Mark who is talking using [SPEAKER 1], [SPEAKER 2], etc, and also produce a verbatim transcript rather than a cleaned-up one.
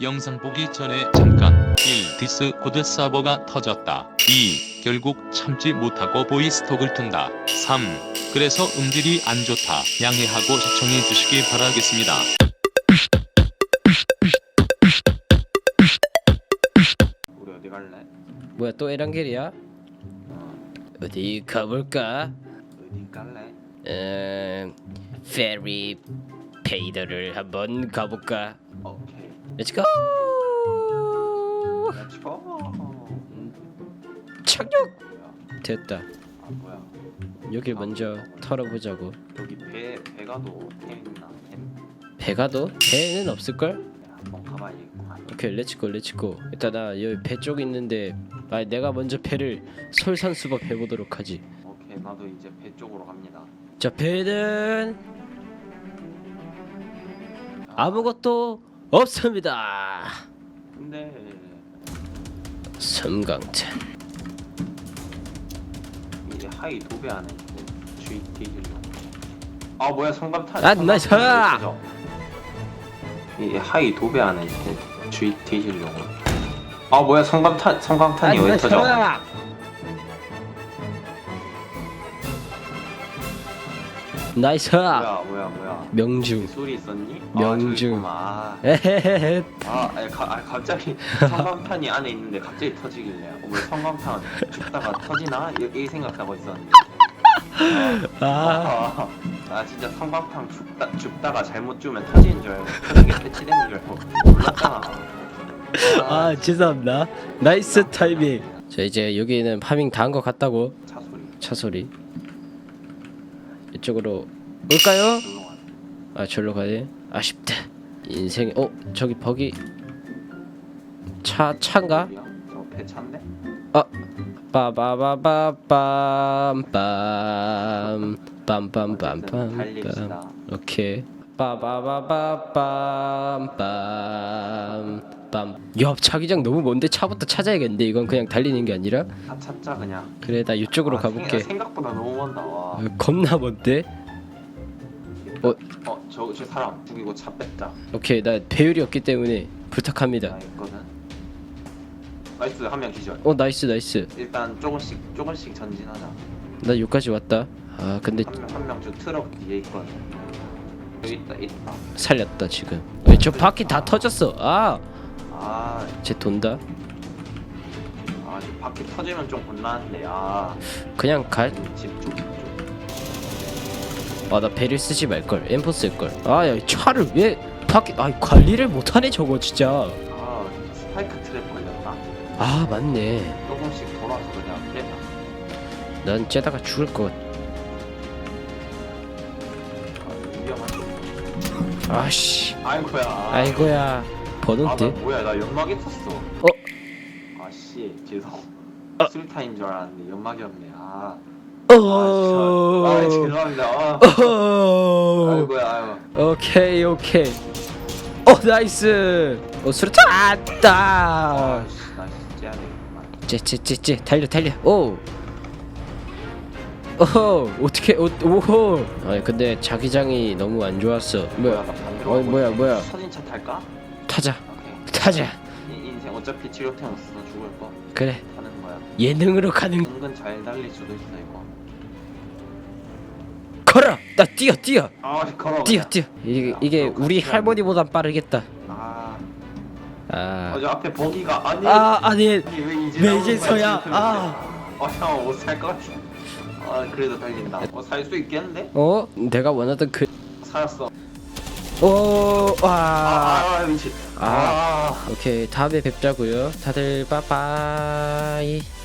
[SPEAKER 1] 영상 보기 전에 잠깐. 일. 디스코드 서버가 터졌다. 이. 결국 참지 못하고 보이스톡을 튼다. 삼. 그래서 음질이 안 좋다. 양해하고 시청해 주시기 바라겠습니다.
[SPEAKER 2] 우리 어디 갈래?
[SPEAKER 3] 뭐야 또 에란겔이야? 어디 가볼까?
[SPEAKER 2] 어디 갈래?
[SPEAKER 3] 음... 페리 페이더를 한번 가볼까?
[SPEAKER 2] 오케이.
[SPEAKER 3] 렛츠고!
[SPEAKER 2] 렛츠고.
[SPEAKER 3] 착륙!
[SPEAKER 2] 뭐야?
[SPEAKER 3] 됐다.
[SPEAKER 2] 아 뭐야?
[SPEAKER 3] 여길 먼저 털어보자고.
[SPEAKER 2] 여기 배 배가도 템 있나? 템?
[SPEAKER 3] 배가도? 배는 없을걸?
[SPEAKER 2] 네, 한번 가봐야겠구만.
[SPEAKER 3] 오케이 렛츠고 렛츠고. 일단 나 여기 배 쪽 있는데 아 내가 먼저 배를 솔선수범 해보도록 하지.
[SPEAKER 2] 오케이 나도 이제 배 쪽으로 갑니다.
[SPEAKER 3] 자 배는 아무것도 없습니다.
[SPEAKER 2] 근데
[SPEAKER 3] 섬광탄.
[SPEAKER 2] 이제 하이 도배 안에 주의 뒤질로. 아 뭐야 성감탄.
[SPEAKER 3] 아, 나이스!
[SPEAKER 2] 이 하이 도배 안에 주의 뒤질로. 아 뭐야 성감탄 성광탄이 왜 터져?
[SPEAKER 3] 나이스.
[SPEAKER 2] 뭐야 뭐야 뭐야.
[SPEAKER 3] 명중.
[SPEAKER 2] 소리 있었니?
[SPEAKER 3] 명중.
[SPEAKER 2] 아,
[SPEAKER 3] 에헤헤.
[SPEAKER 2] 아, 아니, 가, 아니 갑자기 성광탄이 안에 있는데 갑자기 터지길래 어, 왜 성광탄 죽다가 터지나? 이, 이 생각하고 있었는데 아,
[SPEAKER 3] 아.
[SPEAKER 2] 아, 아 진짜 성광탄 죽다, 죽다가 잘못 주면 터지는 줄 알고 터지게 배치되는 줄 알고 몰랐잖아.
[SPEAKER 3] 아 죄송합니다. 나이스 타이밍. 자 이제 여기는 파밍 다 한 것 같다고.
[SPEAKER 2] 차 소리
[SPEAKER 3] 차 소리. 이쪽으로 올까요?
[SPEAKER 2] 조용하네.
[SPEAKER 3] 아 절로 가네. 아쉽다. 인생에 어 저기 버기 차 차인가?
[SPEAKER 2] 어디야? 저 배차인데?
[SPEAKER 3] 아 빠바바바빰빰 빰빰빰빰빰.
[SPEAKER 2] 달립시다.
[SPEAKER 3] 오케이. 빠바바바빰빰 빰. 야 자기장 너무 먼데 차부터 찾아야겠는데 이건 그냥 달리는 게 아니라.
[SPEAKER 2] 차 찾자 그냥.
[SPEAKER 3] 그래 나 이쪽으로
[SPEAKER 2] 아,
[SPEAKER 3] 가볼게.
[SPEAKER 2] 생, 생각보다 너무 먼다. 와.
[SPEAKER 3] 어, 겁나 먼데. 어
[SPEAKER 2] 어, 저, 저 사람 죽이고 차 뺐자.
[SPEAKER 3] 오케이 나 배율이 없기 때문에 부탁합니다.
[SPEAKER 2] 나 있거든. 나이스 한 명 기절.
[SPEAKER 3] 어 나이스 나이스.
[SPEAKER 2] 일단 조금씩 조금씩 전진하자.
[SPEAKER 3] 나 여기까지 왔다. 아 근데
[SPEAKER 2] 한 명 한 명 저 트럭 뒤에 있거든. 여기 있다 있다.
[SPEAKER 3] 살렸다 지금. 왜 저 바퀴 다 터졌어. 아쟤
[SPEAKER 2] 아,
[SPEAKER 3] 돈다.
[SPEAKER 2] 아, 저 바퀴 터지면 좀 곤란한데. 아,
[SPEAKER 3] 그냥 갈.
[SPEAKER 2] 집쪽 쪽.
[SPEAKER 3] 아 나 배를 쓰지 말걸. 엠포 쓸걸. 아야 차를 왜 바퀴 아 관리를 못하네 저거 진짜.
[SPEAKER 2] 아, 스파이크 트랩 걸렸다.
[SPEAKER 3] 아 맞네.
[SPEAKER 2] 조금씩 돌아서 그냥 빼자.
[SPEAKER 3] 난 째다가 죽을 것 같.
[SPEAKER 2] 아, 위험하지.
[SPEAKER 3] 아씨.
[SPEAKER 2] 아이고야.
[SPEAKER 3] 아이고야.
[SPEAKER 2] 아, 나
[SPEAKER 3] 버논데.
[SPEAKER 2] 뭐야? 나 연막 있었어.
[SPEAKER 3] 어?
[SPEAKER 2] 아씨, 죄송.
[SPEAKER 3] 아.
[SPEAKER 2] 술타인 줄 알았는데 연막이었네. 아.
[SPEAKER 3] 어.
[SPEAKER 2] 아, 진짜. 아, 죄송합니다. 아.
[SPEAKER 3] 어.
[SPEAKER 2] 아이고야, 아이고.
[SPEAKER 3] 오케이 오케이. 어 나이스. 어 수류탄 아따.
[SPEAKER 2] 아씨, 나 진짜 해야 되겠구만.
[SPEAKER 3] 째째째째 달려 달려. 오. 오호 어떻게 오 오호. 아니 근데 자기장이 너무 안 좋았어. 뭐야?
[SPEAKER 2] 나 반대로
[SPEAKER 3] 어
[SPEAKER 2] 가고
[SPEAKER 3] 뭐야
[SPEAKER 2] 있어.
[SPEAKER 3] 뭐야?
[SPEAKER 2] 선인차 탈까?
[SPEAKER 3] 타자
[SPEAKER 2] 오케이.
[SPEAKER 3] 타자.
[SPEAKER 2] 이 인생 어차피 치료템 없어 죽을 거
[SPEAKER 3] 그래
[SPEAKER 2] 하는 거야.
[SPEAKER 3] 예능으로 가는.
[SPEAKER 2] 은근 잘 달릴 수도 있어 이거.
[SPEAKER 3] 걸어. 나 뛰어 뛰어
[SPEAKER 2] 아, 걸어.
[SPEAKER 3] 뛰어
[SPEAKER 2] 그냥.
[SPEAKER 3] 뛰어. 이게 이게
[SPEAKER 2] 앞으로
[SPEAKER 3] 우리
[SPEAKER 2] 같이
[SPEAKER 3] 할머니보단 빠르겠다.
[SPEAKER 2] 아,
[SPEAKER 3] 아.
[SPEAKER 2] 어, 저 앞에 버기가 아니.
[SPEAKER 3] 아 아니
[SPEAKER 2] 아니, 왜 이제
[SPEAKER 3] 왜
[SPEAKER 2] 나오는
[SPEAKER 3] 이제서야?
[SPEAKER 2] 거야,
[SPEAKER 3] 아.
[SPEAKER 2] 어, 형 못 살 것 같아. 아, 그래도 달린다. 어, 살 수 있겠는데?
[SPEAKER 3] 어 내가 원하던 그.
[SPEAKER 2] 살았어.
[SPEAKER 3] 오
[SPEAKER 2] 아,
[SPEAKER 3] 와.
[SPEAKER 2] 아, 아 미친.
[SPEAKER 3] 아.
[SPEAKER 2] 아.
[SPEAKER 3] 오케이 다음에 뵙자고요. 다들 빠빠이.